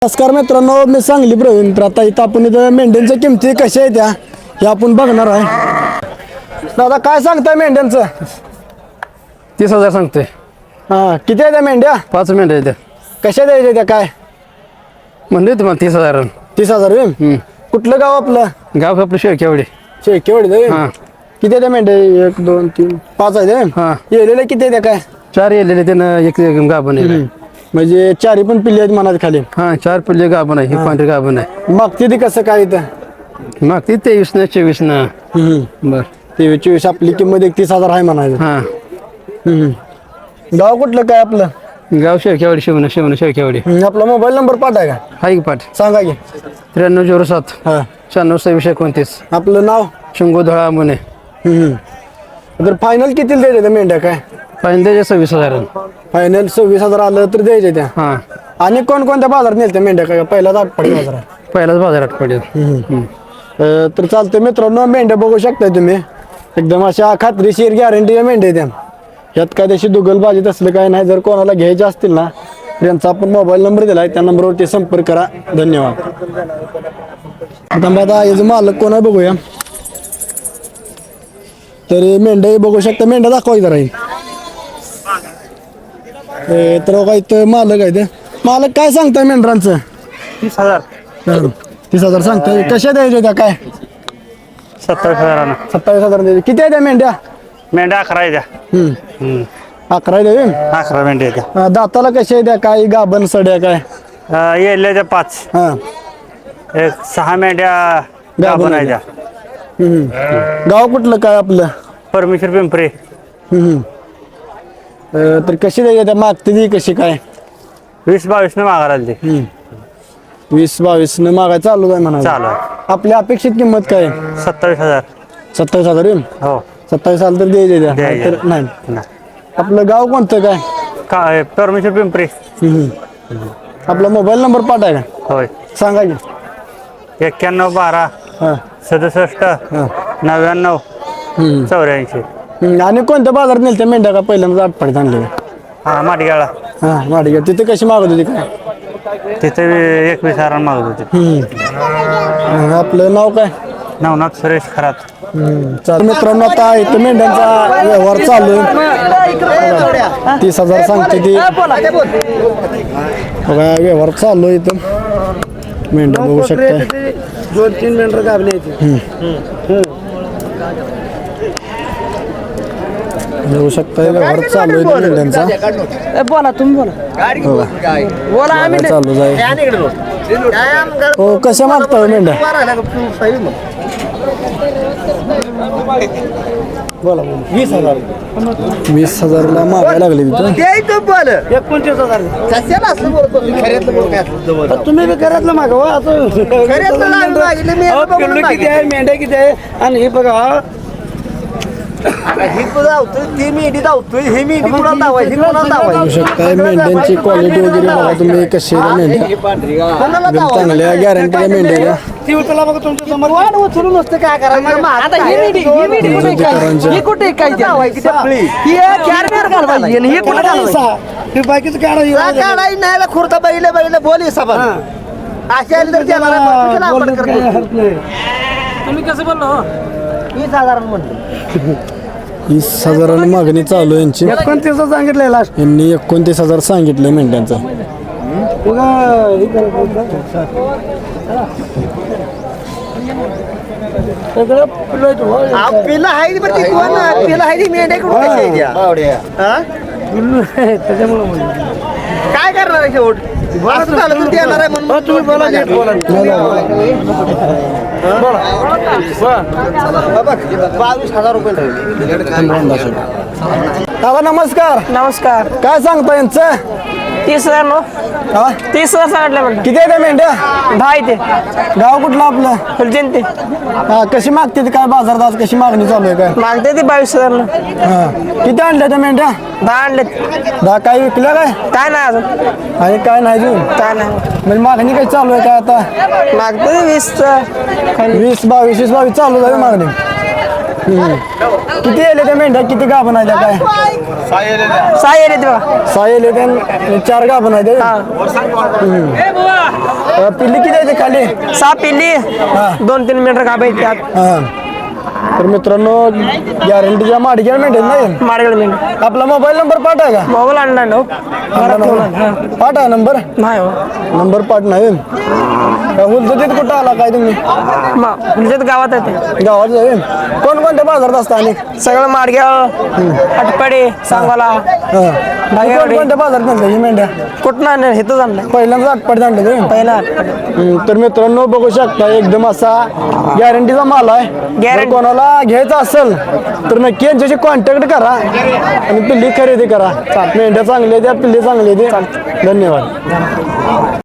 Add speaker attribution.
Speaker 1: नमस्कार मित्रांनो, मी सांगली प्रवीण. तर आता इथं आपण इथं मेंढ्यांच्या किमती कशा आहेत हे आपण बघणार आहे. दादा काय सांगताय मेंढ्यांचं?
Speaker 2: 30,000 सांगतोय.
Speaker 1: हा किती आहे त्या मेंढ्या?
Speaker 2: 5 मेंढ्या आहेत.
Speaker 1: कशा द्यायच्या त्या काय?
Speaker 2: म्हणले तुम्हाला 30,000.
Speaker 1: 30,000 होईल. कुठलं गाव आपलं?
Speaker 2: गाव आपलं शेळकेवाडी.
Speaker 1: शेळकेवाडी दे.
Speaker 2: हा.
Speaker 1: किती आहे त्या मेंढ्या? 1 2 3 5 आहे.
Speaker 2: हा.
Speaker 1: येलेल्या किती आहे त्या काय?
Speaker 2: 4 येलेले त्यानं एक गाभण आहे.
Speaker 1: म्हणजे चारी पण पिल्ली आहेत मनात खाली.
Speaker 2: हा 4 पिल्ले गाभण आहे. ही पांढरी गाभण आहे.
Speaker 1: मागते ती कसं काय इथं?
Speaker 2: मग ती 23 न 24 न. बर
Speaker 1: 23 आपली किंमत 31,000 आहे म्हणायचं.
Speaker 2: हा.
Speaker 1: गाव कुठलं काय आपलं?
Speaker 2: गाव शेळकेवाडी. शिवण शेळकेवाडी.
Speaker 1: आपला मोबाईल नंबर पाठाय का?
Speaker 2: हाय की पाठ
Speaker 1: सांगा की.
Speaker 2: 9307
Speaker 1: हा
Speaker 2: 962629.
Speaker 1: आपलं नाव?
Speaker 2: शंभू धळा म्हणे.
Speaker 1: तर फायनल किती द्यायचे त्या मेंढ्या काय?
Speaker 2: पाहिजे 26,000.
Speaker 1: फायनल 26,000 आलं तर द्यायचे त्या.
Speaker 2: हा
Speaker 1: आणि कोणत्या बाजारात नेल मेंढ्या काय? पहिलाच आठवडे बाजार आहे.
Speaker 2: पहिलाच बाजारात पडेल.
Speaker 1: तर चालतंय मित्रांनो, मेंढ्या बघू शकताय तुम्ही. एकदम अशा खात्रीशीर गॅरंटी मेंढ्या द्या. यात काय तशी दुगलबाजीत असलं काय नाही. जर कोणाला घ्यायचे असतील ना तर यांचा आपण मोबाईल नंबर दिलाय, त्या नंबरवरती संपर्क करा. धन्यवाद. आता याचं मालक कोण आहे बघूया. तर मेंढ्या बघू शकता. मेंढ्या दाखवा जरा. तर काय इथं मालक आहे. ते मालक काय सांगताय मेंढरांचं?
Speaker 2: 30,000.
Speaker 1: 30,000 सांगताय. कशा द्यायच्या त्या काय?
Speaker 2: 27,000.
Speaker 1: 27,000 द्यायचे. किती आहे त्या मेंढ्या?
Speaker 2: मेंढ्या 11 आहे त्या.
Speaker 1: 11 द्यावे.
Speaker 2: 11 मेंढ्या आहे त्या.
Speaker 1: दाताला कशा आहे त्या काय? गाभण सड्या काय?
Speaker 2: येल्या 5.
Speaker 1: हा
Speaker 2: एक 6 मेंढ्या
Speaker 1: गाभण
Speaker 2: आहे त्या.
Speaker 1: गाव कुठलं काय आपलं?
Speaker 2: परमेश्वर पिंपरे.
Speaker 1: तर कशी द्यायच्या त्या? मागते ती कशी काय?
Speaker 2: 20-22 न मागा राहिली.
Speaker 1: 20-22 न मागाय चालू आहे म्हणा.
Speaker 2: चालू आहे.
Speaker 1: आपली अपेक्षित किंमत काय?
Speaker 2: 27,000.
Speaker 1: 27,000 येईल.
Speaker 2: हो
Speaker 1: 27,000 तर द्यायचे त्या.
Speaker 2: द्यायचे.
Speaker 1: तर नाही.
Speaker 2: नाही.
Speaker 1: आपलं गाव कोणतं काय?
Speaker 2: काय परमेश्वर पिंपरे.
Speaker 1: आपला मोबाईल नंबर पाठाय का?
Speaker 2: होय
Speaker 1: सांगा की.
Speaker 2: 91 12
Speaker 1: हा
Speaker 2: 67 99 84.
Speaker 1: आणि कोणत्या बाजारात नेल त्या मेंढ्या का? पहिल्यांदा आठवड्यात आणले.
Speaker 2: हा माटगाळा.
Speaker 1: हा माडी तिथे कशी मागत होती काय?
Speaker 2: तिथे 21,000 मागत होते.
Speaker 1: आपलं नाव काय?
Speaker 2: नवनाथ सुरेश खरात.
Speaker 1: चालेल मित्रांनो, आता इथं मेंढ्यांचा व्यवहार चालू आहे. 30,000 सांगते ती. बघा व्यवहार चालू आहे इथं. मेंढ्या बघू शकताय.
Speaker 2: 2-3 मेंढर गाभले.
Speaker 1: बघू शकताय व्यवहार चालू आहे मेंढ्यांचा.
Speaker 3: बोला तुम्ही बोला. बोला आम्ही
Speaker 1: चालू आहे. हो कशा मागता मेंढ्या? बोला 20,000ला मागायला लागले तिथं.
Speaker 3: तुम्ही बी घरातलं मागवा. किती आहे मेंढ्या किती आहे? आणि हे बघा
Speaker 1: बघू शकताय मेंढ्यांची क्वालिटी वगैरे बघा तुम्ही. कशी आहे मेंढ्या? एकदम चांगल्या गॅरंटीच्या मेंढ्या.
Speaker 3: ती उचला बघा तुमच्या समोर. उचलून नसतं काय करायचं. आता ही मेंढी
Speaker 1: करांच्या.
Speaker 3: ही कुठे काय ही 4 मेर घालवायची आणि ही कुठे घालवायची?
Speaker 1: हे बाकीचं
Speaker 3: काढायची नाही. खुर्ता बैल बोल हिसाब अशा तुम्ही कसं बोललो? 20,000 म्हणलं.
Speaker 1: 20,000 मागणी चालू आहे यांची.
Speaker 3: 29 सांगितलंय लास्ट.
Speaker 1: यांनी 29,000 सांगितलंय मेंढ्यांचा.
Speaker 3: पिला आहे पिला आहे मेंढ्या त्याच्यामुळे काय करणार आहे शेवट? असं झालं तर देणार आहे म्हणून तुम्ही बोला. 22,000 रुपये.
Speaker 1: दादा नमस्कार.
Speaker 3: नमस्कार.
Speaker 1: काय सांगता यांचं?
Speaker 3: 30,000 नो.
Speaker 1: हा
Speaker 3: 30,000 सांगितलं म्हणलं.
Speaker 1: किती आहे त्या मेंढ्या?
Speaker 3: 10 ते
Speaker 1: गाव कुठलं आपलं?
Speaker 3: फुलजयंती.
Speaker 1: हा कशी मागते ती काय? बाजारात आज कशी मागणी चालू आहे काय?
Speaker 3: मागते ती 22,000 ला.
Speaker 1: हा किती आणल्या त्या मेंढ्या?
Speaker 3: 10 आणलेत.
Speaker 1: 10 काय विकल्या काय?
Speaker 3: काय नाही अजून.
Speaker 1: आणि काय नाही अजून?
Speaker 3: काय नाही
Speaker 1: म्हणजे मागणी काय चालू आहे काय आता?
Speaker 3: मागते 20
Speaker 1: 20-22 चालू झाली मागणी. किती येले त्या मेंढ्या किती गाभण आहे त्या काय
Speaker 4: सहा येले ते बघा.
Speaker 1: 6 येले त्या 4 गाभण आहे त्या पिल्ली किती आहे ते खाली
Speaker 4: 6 पिल्ली 2-3 मेंढर गाभ आहेत त्यात.
Speaker 1: हा. तर मित्रांनो गॅरंटीच्या माडग्या मेंढ्या नाही
Speaker 4: माडगड मेंढर
Speaker 1: आपला मोबाईल नंबर पाठ आहे का
Speaker 4: मोबाईल आणला ना हो. घरात ठेवून आणला.
Speaker 1: पाठ आहे नंबर
Speaker 4: नाही हो
Speaker 1: नंबर पाठ नाही उलचतीत कुठं आला काय तुम्ही
Speaker 4: म्हणजे गावात आहे ते.
Speaker 1: गावात जाईल कोणकोणत्या बाजारात असता आणि
Speaker 4: सगळं माडग्याव अटपाडे सांगवाला
Speaker 1: कोणकोणत्या बाजारात आणलं ही मेंढ्या
Speaker 4: कुठं आणलं हेच आणलं
Speaker 1: पहिल्यांदा आटपाडीत आणलं तुम्ही
Speaker 4: पहिला अटपाडे.
Speaker 1: तर मित्रांनो बघू शकता एकदम असा गॅरंटीचा माल आहे जर कोणाला घ्यायचा असेल तर नक्की यांच्याशी कॉन्टॅक्ट करा आणि पिल्ली खरेदी करा मेंढ्या चांगल्या द्या पिल्ली चांगली द्या धन्यवाद